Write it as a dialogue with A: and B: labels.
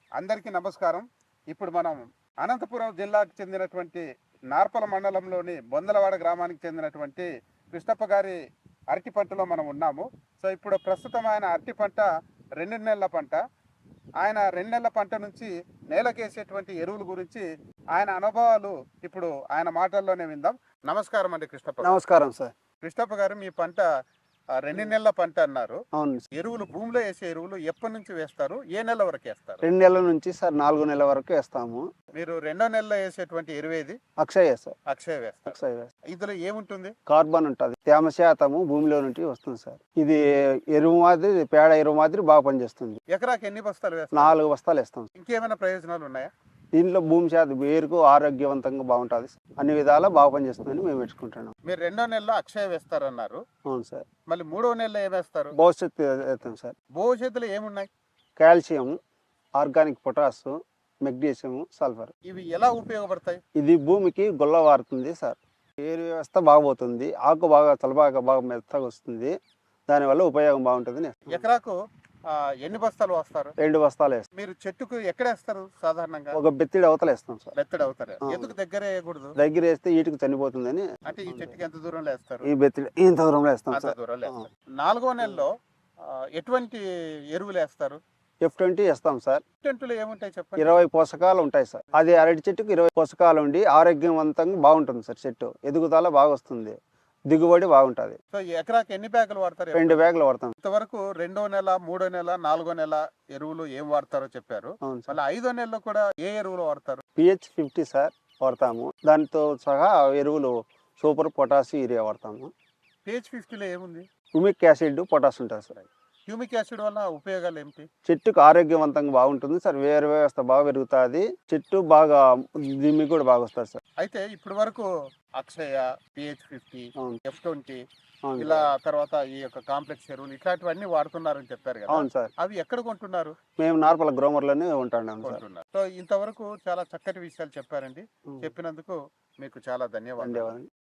A: అందరికీ నమస్కారం. ఇప్పుడు మనం అనంతపురం జిల్లాకు చెందినటువంటి నార్పల మండలంలోని బొందలవాడ గ్రామానికి చెందినటువంటి కృష్ణప్ప గారి అరటి పంటలో మనం ఉన్నాము. సో ఇప్పుడు ప్రస్తుతం ఆయన అరటి పంట 2 నెలల పంట. ఆయన 2 నెలల పంట నుంచి నేలకేసేటువంటి ఎరువుల గురించి ఆయన అనుభవాలు ఇప్పుడు ఆయన మాటల్లోనే విందాం. నమస్కారం అండి కృష్ణప్ప గారు.
B: నమస్కారం సార్.
A: కృష్ణప్ప గారు, మీ పంట 2 నెలల పంట అన్నారు.
B: అవును సార్.
A: ఎరువులు భూమిలో వేసే ఎరువులు ఎప్పటి నుంచి వేస్తారు? ఏ నెల వరకు వేస్తారు?
B: 2 నెలల నుంచి సార్ 4 నెలల వరకు వేస్తాము.
A: మీరు 2వ నెలలో వేసేటువంటి ఎరువేది?
B: అక్షయ సార్.
A: అక్షయ వేస్తారు.
B: అక్షయ వేస్తాం.
A: ఇందులో ఏముంటుంది?
B: కార్బన్ ఉంటుంది, తేమ శాతము భూమిలో నుండి వస్తుంది సార్. ఇది ఎరువు మాదిరి, పేడ ఎరువు మాదిరి బాగా పనిచేస్తుంది.
A: ఎకరాకి ఎన్ని బస్తాలు వేస్తారు?
B: 4 బస్తాలు వేస్తాం.
A: ఇంకేమైనా ప్రయోజనాలు ఉన్నాయా?
B: దీంట్లో భూమి శాతం వేరుకు ఆరోగ్యవంతంగా బాగుంటుంది, అన్ని విధాలా బాగా పనిచేస్తుందని మేము పెట్టుకుంటున్నాం.
A: మీరు 2వ నెలలో అక్షయ వేస్తారన్నారు.
B: అవును సార్.
A: మళ్ళీ 3వ నెలలో ఏమేస్తారు?
B: భవిష్యత్తు వేస్తాం సార్.
A: భవిష్యత్తులో ఏమున్నాయి?
B: Calcium, organic potash, magnesium, sulphur.
A: ఇవి ఎలా ఉపయోగపడతాయి?
B: ఇది భూమికి గుల్లవారుతుంది సార్. ఏరు వ్యవస్థ బాగుపోతుంది, ఆకు బాగా తలబాగా బాగా మెత్తగా వస్తుంది, దానివల్ల ఉపయోగం బాగుంటుంది.
A: ఎకరాకు ఎన్ని బస్తాలు వస్తారు?
B: 2 బస్తాలు వేస్తాం.
A: మీరు చెట్టుకు ఎక్కడ వేస్తారు సాధారణంగా?
B: ఒక బెత్తిడి అవతల వేస్తాం సార్.
A: బెత్తడి అవుతారు. ఎందుకు దగ్గర వేయకూడదు?
B: దగ్గర వేస్తే ఈటుకు చనిపోతుందని.
A: అంటే ఈ చెట్టుకి ఎంత దూరంలో వేస్తారు?
B: ఈ బెత్తిడి ఇంత దూరంలో వేస్తాం
A: అంత
B: సార్.
A: దూరంలో వేస్తారు. 4వ నెలలో ఎటువంటి ఎరువులు వేస్తారు?
B: F20 వేస్తాం సార్.
A: టెంటులో ఏముంటాయి చెప్పండి?
B: 20 పోషకాలు ఉంటాయి సార్. అది అరటి చెట్టుకు 20 పోషకాలు ఉండి ఆరోగ్యవంతంగా బాగుంటుంది సార్. చెట్టు ఎదుగుదల బాగా వస్తుంది, దిగుబడి బాగుంటుంది.
A: సో ఎకరాకి ఎన్ని బ్యాగులు వాడతారు?
B: 2 బ్యాగులు వాడతాం.
A: ఇంతవరకు 2వ నెల, 3వ నెల, 4వ నెల ఎరువులు ఏం వాడతారో చెప్పారు.
B: అవును సార్.
A: మళ్ళీ 5వ నెలలో కూడా ఏ ఎరువులు వాడతారు?
B: PH50 సార్ వాడతాము. దానితో సహా ఎరువులు సూపర్, పొటాష్, యూరియా వాడతాము.
A: PH50లో ఏముంది?
B: హ్యూమిక్ యాసిడ్, పొటాష్ ఉంటుంది సార్.
A: హ్యూమిక్ యాసిడ్ వల్ల ఉపయోగాలు ఏమిటి?
B: చెట్టుకు ఆరోగ్యవంతంగా బాగుంటుంది సార్. వేరు వ్యవస్థ బాగా పెరుగుతుంది, చెట్టు బాగా దిమ్మి కూడా బాగా వస్తుంది సార్.
A: అయితే ఇప్పటి వరకు అక్షయ, PH50,
B: అవును.
A: F20
B: అవును
A: ఇలా
B: సార్.
A: తర్వాత ఈ యొక్క కాంప్లెక్స్ ఎరువులు ఇట్లాంటివన్నీ వాడుతున్నారని చెప్పారు కదా.
B: అవును సార్.
A: అవి ఎక్కడ కొంటున్నారు?
B: మేము నార్పల గ్రోమర్లోనే ఉంటున్నాం సార్.
A: కొంటున్నారు. సో ఇంతవరకు చాలా చక్కటి విషయాలు చెప్పారండి.
B: ఉం.
A: చెప్పినందుకు మీకు చాలా ధన్యవాదాలు.
B: ధన్యవాదాలు.